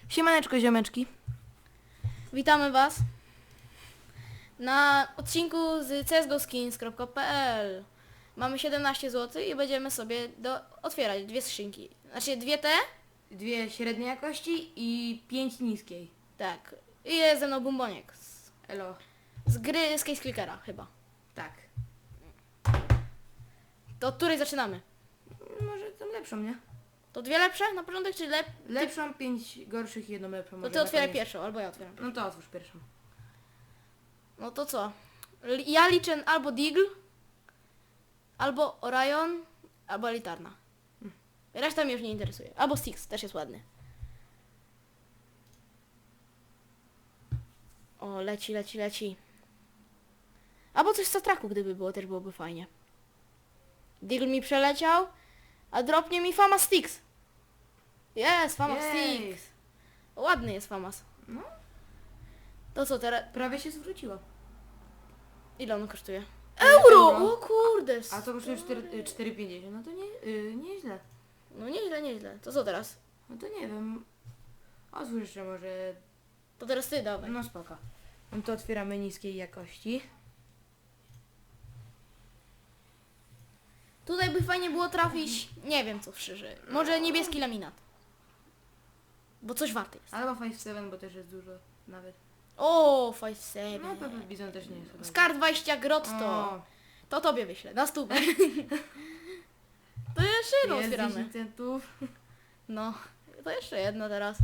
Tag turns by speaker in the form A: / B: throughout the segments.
A: Siemaneczko, ziomeczki.
B: Witamy Was na odcinku z csgoskins.pl. Mamy 17 zł i będziemy sobie otwierać dwie skrzynki. Znaczy dwie te?
A: Dwie średniej jakości i 5 niskiej.
B: Tak. I jest ze mną Bumboniek.
A: Elo.
B: Z gry z Case Clickera chyba.
A: Tak.
B: To od której zaczynamy?
A: Może tą lepszą, nie?
B: To dwie lepsze na początek, czy
A: Lepszą, 5 gorszych i jedną lepszą.
B: To
A: może
B: ty
A: na
B: otwieraj
A: koniec.
B: pierwszą, albo ja otwieram.
A: No to otwórz pierwszą.
B: No to co? Ja liczę albo Deagle, albo Orion, albo Elitarna. Reszta mnie już nie interesuje. Albo Styx, też jest ładny. O, leci. Albo coś z Satraku, gdyby było, też byłoby fajnie. Deagle mi przeleciał, a dropnie mi Famas Styx. Jest, Famas
A: Jej.
B: Styx. Ładny jest Famas.
A: No.
B: To co teraz?
A: Prawie się zwróciło.
B: Ile on kosztuje?
A: Euro!
B: O kurde!
A: A to kosztuje 4,50. No to nieźle.
B: No nieźle. To co teraz?
A: No to nie wiem. Otwórz jeszcze może.
B: To teraz ty dawaj.
A: No spoko. No to otwieramy niskiej jakości.
B: Tutaj by fajnie było trafić, nie wiem co szczerze. Może niebieski laminat. Bo coś warty jest.
A: Albo 5,7, bo też jest dużo nawet.
B: O,
A: No
B: 5-7.
A: Pepe Bizon też nie jest. chyba.
B: Skar 20 grotto.
A: O,
B: To tobie wyślę, na stówę. To jeszcze jedno
A: jest
B: otwieramy.
A: 10 centów.
B: No, to jeszcze jedno teraz.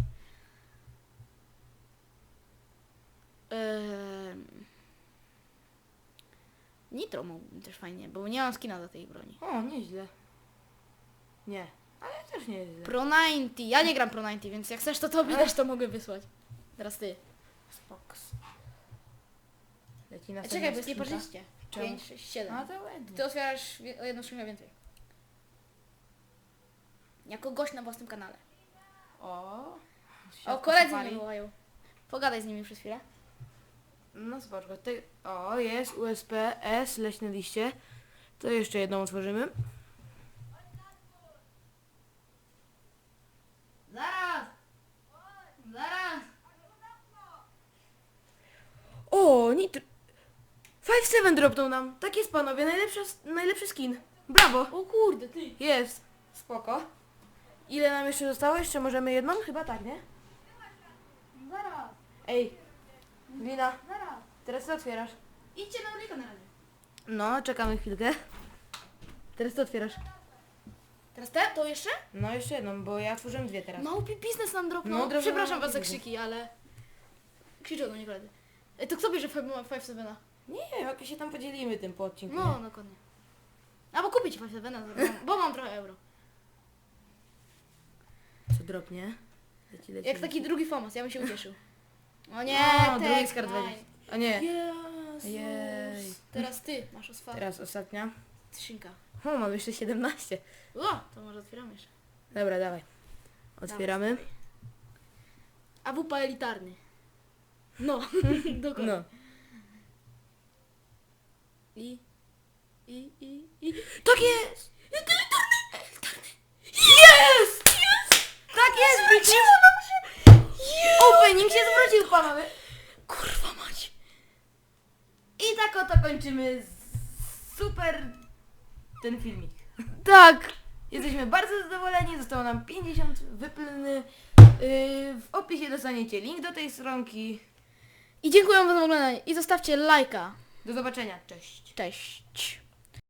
B: Nitro mógłbym też fajnie, bo nie mam skina do tej broni.
A: O, nieźle. Nie, ale też nie jest źle.
B: Pro 90, ja nie gram Pro 90, więc jak chcesz to tobie też to mogę wysłać. Teraz ty.
A: Spoks. Leci na
B: Czekaj, bo jest nieparzyście.
A: Czemu?
B: 5, 6, 7.
A: A to ładnie.
B: Ty otwierasz o jedną skrzynkę więcej. Jako gość na własnym kanale.
A: O,
B: O, koledzy mnie wołają. Pogadaj z nimi przez chwilę.
A: No spoczko. O, jest USP S, leśne liście. To jeszcze jedną otworzymy.
B: Zaraz!
A: O, nitro. 5,7 dropnął nam. Tak jest, panowie, najlepszy skin. Brawo.
B: O kurde, ty!
A: Jest. Spoko. Ile nam jeszcze zostało? Jeszcze możemy jedną? Chyba tak, nie?
B: Zaraz!
A: Ej, Lina,
B: Zaraz!
A: teraz co otwierasz?
B: Idźcie na ulicę na razie.
A: No, czekamy chwilkę. Teraz co otwierasz?
B: Teraz te? To jeszcze?
A: No, jeszcze jedną, bo ja otworzyłem dwie teraz.
B: Małpi biznes nam dropnął.
A: No, dropnął
B: Przepraszam
A: małpi
B: was za
A: biznes.
B: krzyki, ale... Krzyczą do mnie koledzy. To kto bierze 5-7?
A: Nie, jak się tam podzielimy tym po odcinku.
B: No, dokładnie. Albo kupić 5-7, bo mam trochę euro.
A: Nie? Co dropnie? Leci.
B: Jak taki drugi Famas, ja bym się ucieszył. O nie,
A: No, drugi
B: Tech
A: z kart
B: Nine.
A: będzie. A nie.
B: Jezus.
A: Jej.
B: Teraz ty masz otwartą
A: Teraz ostatnia.
B: skrzynka.
A: O, mam jeszcze 17.
B: O, to może otwieramy jeszcze.
A: Dobra, dawaj. Otwieramy.
B: AWP elitarny. No, dokładnie.
A: No.
B: I...
A: Tak jest! Jest! Tak jest, wróciło nam się! Opening się zwrócił, panowie.
B: Kurwa mać.
A: I tak oto kończymy super ten filmik.
B: Tak.
A: Jesteśmy bardzo zadowoleni, zostało nam 50 wypylny. W opisie dostaniecie link do tej stronki.
B: I dziękuję wam za oglądanie. I zostawcie lajka.
A: Do zobaczenia, cześć.
B: Cześć.